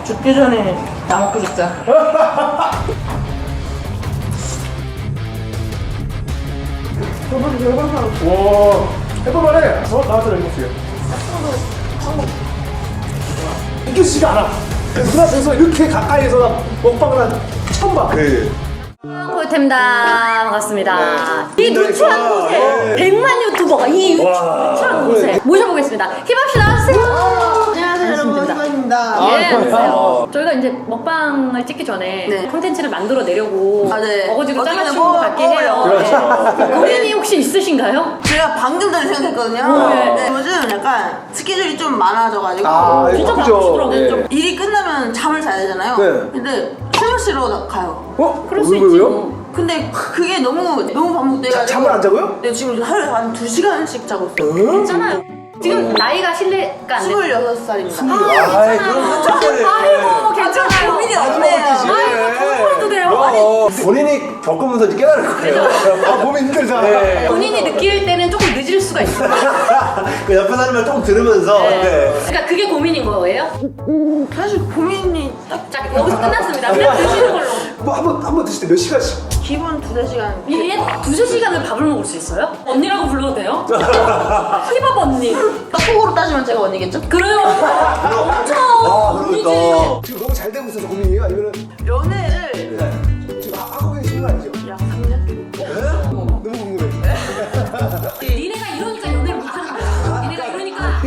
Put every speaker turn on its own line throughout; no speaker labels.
죽기 전에 다 먹고 싶다.
와, 해볼만해. 나한테 해볼게요. 믿기지가 않아. 눈앞에서 이렇게 가까이서 나 먹방을 한 처음 봐.
꿀템다 반갑습니다.
네.
이 누추한 곳에
네.
100만 유튜버가 이 누추한 곳에
네.
모셔보겠습니다. 힙합씨 나왔어요.
안녕하세요 여러분, 희망입니다.
예, 안녕하세요. 저희가 이제 먹방을 찍기 전에
네.
콘텐츠를 만들어 내려고
네.
어거지로
어떻게든
짜맞추는 것 같긴 해요.
그렇죠.
네. 고민이 혹시 있으신가요?
제가 방금 전에 생각했거든요. 네. 요즘 약간 스케줄이 좀 많아져가지고
진짜
바쁘죠.
바쁘더라고요.
좀 일이 끝나면 잠을 자야 되잖아요.
네.
근데 술 마시러 가요.
그럴 수
왜,
있지
왜요?
뭐.
근데 그게 너무 반복돼가지고
잠을 안 자고요?
네, 지금 하루에 한 2시간씩 자고 있어요.
괜찮아요. 지금 나이가 실례가 안 돼.
26살입니다.
아이, 그럼
아이고 괜찮아요.
고민이 없네요.
아이고 통보해도 돼요.
본인이 겪으면서 이제 깨달을 거예요. 아, 몸이 힘들잖아.
본인이 느낄 때는 조금 늦을 수가 있어요.
그 옆에 사람을 조금 들으면서.
그러니까 그게 고민인 거예요?
사실 고민이 딱
자 여기서 끝났습니다. 그냥 드시는 걸로.
뭐 한번 드실 때 몇 시간씩?
기본 2-3시간.
얘 2-3시간을 밥을 먹을 수 있어요? 언니라고 불러도 돼요? 힙합 언니.
떡국으로 따지면 제가 언니겠죠?
그래요. 엄청 언니지.
그러니까. 지금 너무 잘 되고 있어서 고민이에요? 아니면
연애를
지금 하고 계신 거 아니죠?
약 3년?
너무 궁금해.
니네가 이러니까 연애를 못하는 거야. 니네가 이러니까.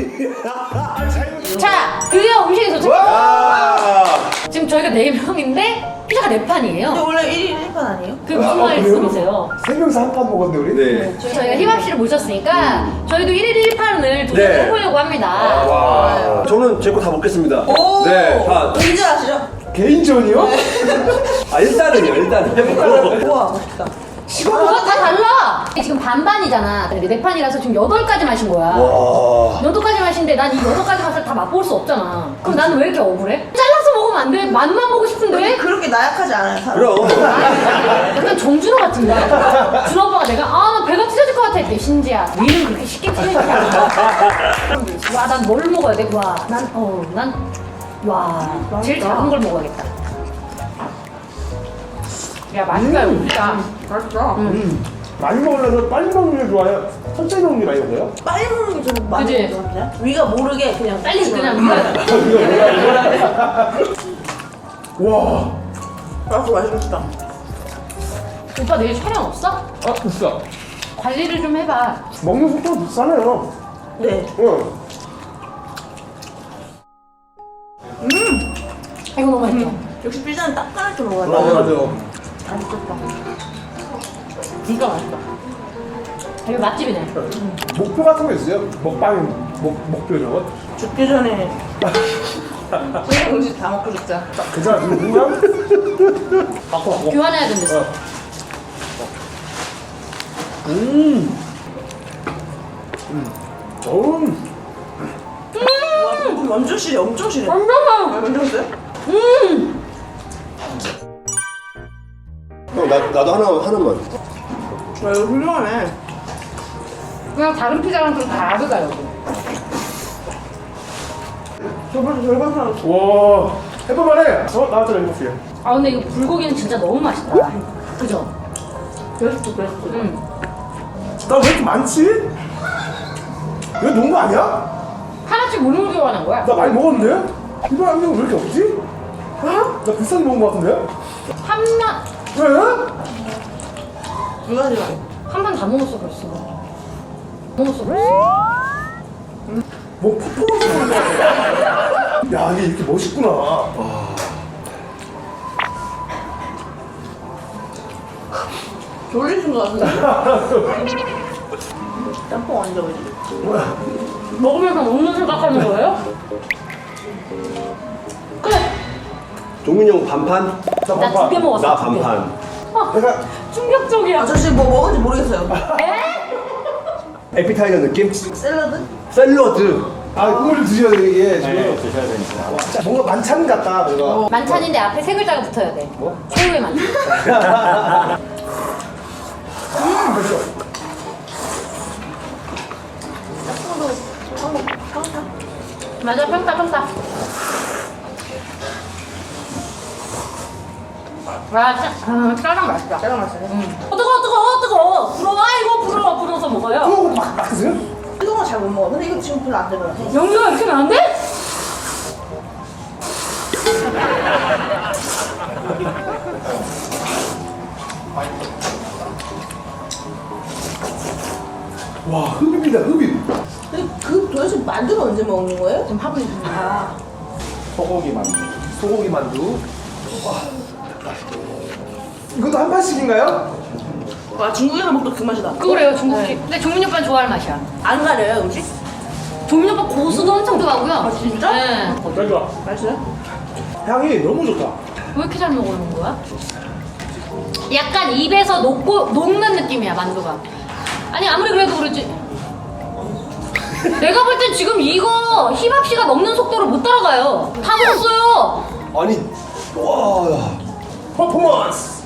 잘
자, 드디어 음식이 도착.
와!
지금 저희가 4명인데 피자가 4판이에요.
근데 원래 1인 1판 아니에요?
그게 무슨 말씀이세요?
세 명이서 한 판 먹었는데 우리? 네.
저희가 힙합 씨를 모셨으니까 저희도 1일 1판을 도전해보려고 합니다.
와.
저는 제 거 다 먹겠습니다.
오!
네, 다.
인정하시죠?
개인전이요?
아, 일단은요, 일단은 해보고.
우와 멋있다.
그거 다 달라. 지금 반반이잖아. 근데 4판이라서 지금 8가지 마신 거야.
와.
8가지 마신데 난 이 8가지 맛을 다 맛볼 수 없잖아. 그럼 나는 왜 이렇게 억울해? 잘라서 먹으면 안 돼. 맛만 보고 싶은데.
그렇게 나약하지 않아요 사람.
그럼.
약간 정준호 같은데. 준호 오빠가 내가 나 배가 찢어질 것 같아 했대. 신지야 위는 그렇게 쉽게 찢어지지 않아. 와 난 뭘 먹어야 돼? 와 제일 작은 걸 먹어야겠다. 야 맛있다 진짜.
맛있어.
많이 먹으려면 빨리 먹는 게 좋아요? 천천히 먹는 게 많이 먹어요?
빨리 먹는 게 좀 많이
그치?
먹거든요. 위가 모르게 그냥
빨리 그냥
와.
맛있다.
오빠 내일 촬영 없어?
비싸.
관리를 좀 해봐.
먹는 속도가 비싸네요.
네.
응.
이거 너무 맛있어.
역시 피자는 따끈하게 먹어야 돼.
맞아요.
맛있겠다.
진짜 맛있다. 이거 맛집이네.
목표 같은 거 있어요? 먹방 목표 이런 거?
죽기 전에 음식 다 먹고 싶다.
괜찮아 지금 그냥? 바꿔.
교환해야 된댔어.
와, 완전 실해, 엄청 실해.
엄청
완전 세?
형, 나도 하나만.
와, 이거 훌륭하네.
그냥 다른 피자랑 좀 다르다 여기.
저번에 절반 사람.
와. 해볼만해. 나한테 해볼게요.
아 근데 이거 불고기는 진짜 너무 맛있다. 그죠?
베스트, 베스트.
나 왜 이렇게 많지? 이거 놓은 거 아니야?
하나씩 무료로 교환한 거야.
나 많이 먹었는데? 이거 한 명 왜 이렇게 없지? 나 비싼 거 먹은 거 같은데?
한만
왜?
두 가지만.
한 판 다 먹었어 벌써. 먹었어 벌써.
뭐 퍼포먼스 하는 거 같아. 야 이게 이렇게 멋있구나.
졸리신 것 같은데? 짬뽕 완전 맛있어.
먹으면서 먹는 생각하는 거예요? 그래.
종민이 형 반판?
나
나 2개 먹었어.
나
두 개.
반판.
내가
충격적이야.
아저씨 뭐 먹은지 모르겠어요.
에?
에피타이저 느낌?
샐러드?
샐러드.
국물 좀 드셔야 돼 이게 지금. 드셔야 되니까. 뭔가 만찬 같다 이거.
만찬인데 앞에 3글자가 붙어야 돼. 뭐? 최후의 만찬.
맛있어.
맞아 평타 평타. 와, 짜장 맛있다.
짜장 맛있어요?
뜨거워. 불어와, 이거 불어서 먹어요.
그거 막 드세요?
뜨거운 거 잘 못 먹어. 근데 이거 지금 별로 안 되는 것 같아.
영주가 이렇게 많은데?
와, 흡입니다, 흡입.
근데 그 도대체 만두는 언제 먹는 거예요? 지금 하고 있는 아.
소고기 만두. 소고기 만두. 와. 이것도 한 판씩인가요?
와, 중국에서 먹던 그 맛이다.
그래요, 중국식. 근데 종민이 오빠는 좋아할 맛이야.
안 가려요, 음식?
종민이 오빠 고수도 엄청 좋아하고요. 아,
진짜?
네.
잘 좋아.
맛있어요?
향이 너무 좋다.
왜 이렇게 잘 먹는 거야? 약간 입에서 녹는 느낌이야, 만두가. 아니, 아무리 그래도 그렇지. 내가 볼 땐 지금 이거 힙합 씨가 먹는 속도를 못 따라가요. 다 먹었어요.
아니, 와.
퍼포먼스.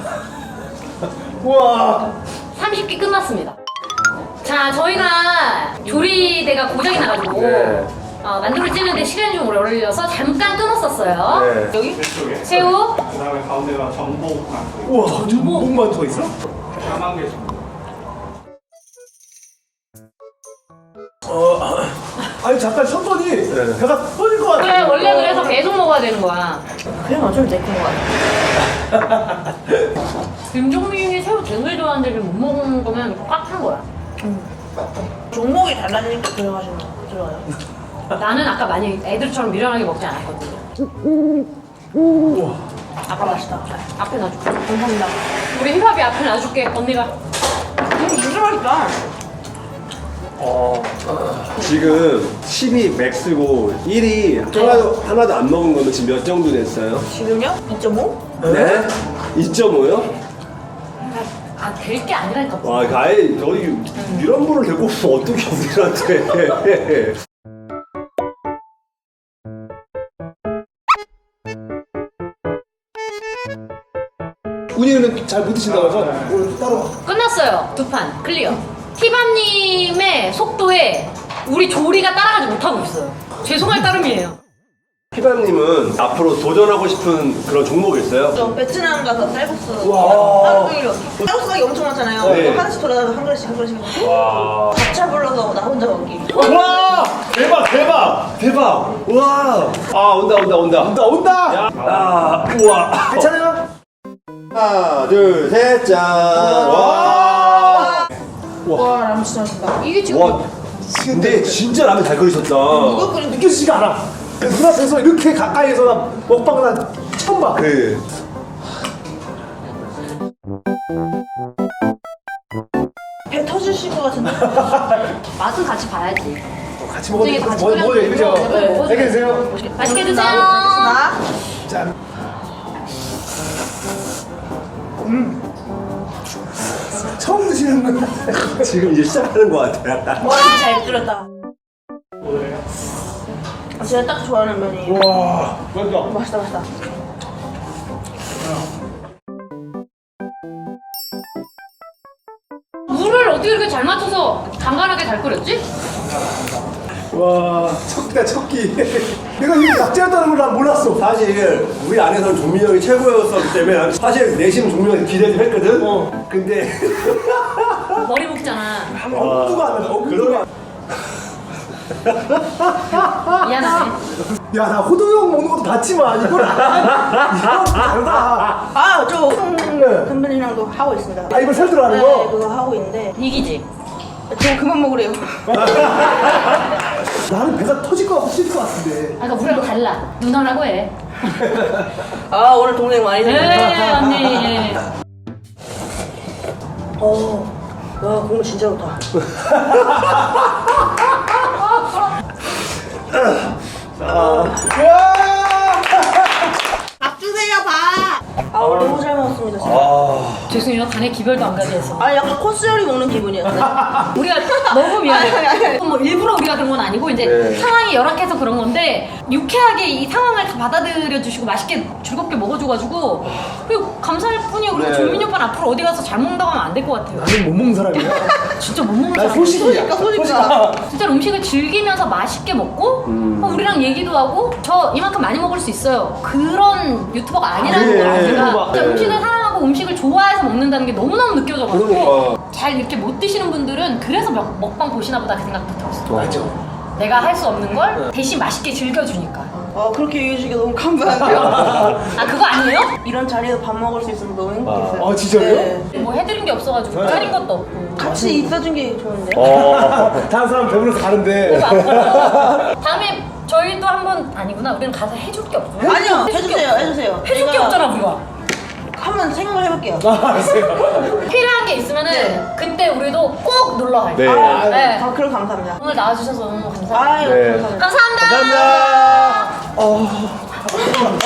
와.
30개 끝났습니다. 자, 저희가 조리대가 고장이 나가지고
네.
만두를 찌는데 시간이 좀 오래 걸려서 잠깐 끊었었어요.
네.
여기
왼쪽에
새우,
그 다음에 가운데가 전복 만두
우와, 전복 만두가 있어?
까만 게 전복
아니 잠깐 쉬었더니 배가 터질 것 같아.
그래, 원래 그래서 계속 먹어야 되는 거야.
그냥 어쩔 때 그런 거 같아.
김종민이 새우 되게 좋아하는데 지금 못 먹는 거면 꽉한 거야.
종목이 달라지니까 들어가시는 거 들어가요.
나는 아까 많이 애들처럼 미련하게 먹지 않았거든요.
아까 맛있다.
앞에 놔줄게.
감사합니다.
우리 힙합이 앞에 놔줄게, 언니가.
진짜 맛있다.
지금 10이 맥스고 1이 하나도 안 먹은 거는 지금 몇 정도 됐어요?
지금요? 2.5?
네? 2.5요?
될 게 아니라니까.
와, 가히 너희 이런 분을 데리고 오면 어떻게 우리한테.
운이는 잘 못 드신다고 해서 오늘 따로.
끝났어요. 2판 클리어. 힙합님의 속도에 우리 조리가 따라가지 못하고 있어요. 죄송할 따름이에요.
피바님은 앞으로 도전하고 싶은 그런 종목이 있어요?
저 베트남 가서 쌀국수
와.
하루 종일 쌀국수 가게 엄청 많잖아요.
네.
그거 하나씩 돌아다니면서 한 그릇씩 한 그릇씩
와.
밥차 불러서 나 혼자 먹기.
와! 대박! 와! 아, 온다.
온다.
야. 아, 우와.
괜찮아요?
하나, 둘, 셋, 짠! 와!
와, 라면 진짜 맛있다.
이게 지금
와, 근데 진짜 라면 잘 끓이셨다.
이거 끓인
느껴지지가 않아. 눈앞에서 이렇게 가까이서 나 먹방을 난 처음 봐.
그,
배 터지실 것 같은데.
맛은 같이 봐야지.
같이 먹어도
같이
먹어도
끓여서
그죠?
먹어도
안녕히 계세요.
맛있게 드세요.
나
짠. 처음 드시는 분.
지금 이제 시작하는 것 같아요.
와, 잘 끓였다. 제가 딱 좋아하는 면이.
와.
맛있다, 맛있다.
물을 어떻게 이렇게 잘 맞춰서 간간하게 잘 끓였지?
와. 척기다 척기. 내가 이게 낙지였다는 걸 난 몰랐어.
사실 우리 안에서는 종민이 형이 최고였었기 때문에 난 사실 내심 종민이 형한테 기대 좀 했거든? 근데
머리 묶잖아.
엄두가 안 나네. 엄두가.
미안하네.
야, 나 호동형 먹는 것도 봤지만 이건 다르다.
아, 저 선배님이랑도 하고 있습니다.
아, 이걸 살들어 하는
네,
거?
그거 하고 있는데
이기지?
저 그만 먹으래요.
나는 배가 터질 것 같고 찔릴 것 같은데.
아, 그러니까 우리랑 달라. 누나라고 해.
아, 오늘 동생 많이
네,
생겼다.
언니.
와, 국물 진짜 좋다. 밥 주세요, 밥. 아, 오늘 너무 잘 먹었습니다. 진짜.
죄송해요. 아니에요. 간에 기별도 안 가져서.
아 약간 코스 요리 먹는 기분이었어요.
우리가 너무 미안해.
아니, 아니.
뭐 일부러 우리가 그런 건 아니고 이제
네.
상황이 열악해서 그런 건데 유쾌하게 이 상황을 다 받아들여 주시고 맛있게 즐겁게 먹어줘가지고 그리고 감사할 뿐이에요. 그리고
네.
조민이 오빠는 앞으로 어디 가서 잘 먹는다고 하면 안 될 것 같아요.
나는 못 먹는 사람이야.
진짜 못 먹는
난
사람.
소식이야.
소식이야.
진짜 음식을 즐기면서 맛있게 먹고 우리랑 얘기도 하고 저 이만큼 많이 먹을 수 있어요. 그런 유튜버가 아니라는
네.
걸 제가 진짜
네.
음식을 사랑하고 음식을 좋아해서 먹는다는 게 너무너무 느껴져가지고
그러니까.
잘 이렇게 못 드시는 분들은 그래서 먹방 보시나 보다 그 생각도 들었어요.
맞아.
내가 할 수 없는 걸 대신 맛있게 즐겨주니까.
그렇게 얘기해 주시기 너무 감사하고요.
아 그거 아니에요?
이런 자리에서 밥 먹을 수 있어서 너무 행복했어요.
아, 진짜요?
네.
뭐 해드린 게 없어가지고 차린 것도 없고.
같이 있어준 게 좋은데.
다른 사람 배불러서 가는데.
다음에 저희도 한번 아니구나. 우리는 가서 해줄 게 없구나.
아니요,
해줄 게
해주세요,
없어.
해주세요.
해줄 게
제가
없잖아 우리가.
한번 생각을 해볼게요.
필요한 게 있으면은 그때 우리도 꼭 놀러 갈게요.
네.
네.
그럼 감사합니다.
오늘 나와주셔서 너무 감사합니다.
아유,
네.
감사합니다.
감사합니다.
감사합니다.